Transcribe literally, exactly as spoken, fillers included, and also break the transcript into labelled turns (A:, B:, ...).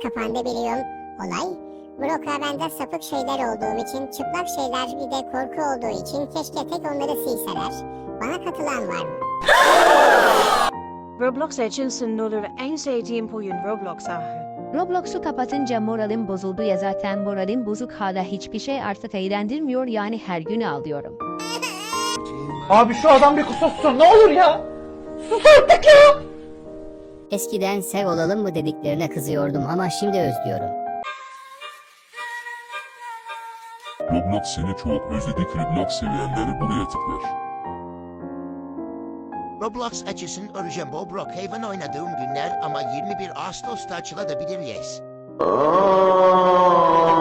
A: kapandı biliyorum olay. Brock'a bende sapık şeyler olduğum için, çıplak şeyler bir de korku olduğu için keşke tek onları silseler. Bana katılan var mı?
B: Roblox için olur en sevdiğim oyun Roblox ahı.
C: Roblox'u kapatınca moralim bozuldu ya zaten moralim bozuk hala hiçbir şey artık eğlendirmiyor yani her gün ağlıyorum.
D: Abi şu adam bir kusursun ne olur ya. Sus artık ya.
E: Eskiden sev olalım mı dediklerine kızıyordum ama şimdi özlüyorum.
F: Roblox seni çok özledik. Roblox seviyenleri buraya tıklar.
G: Roblox açısın öreceğim bu Brookhaven oynadığım günler ama yirmi bir Ağustos'ta açılabilir yes.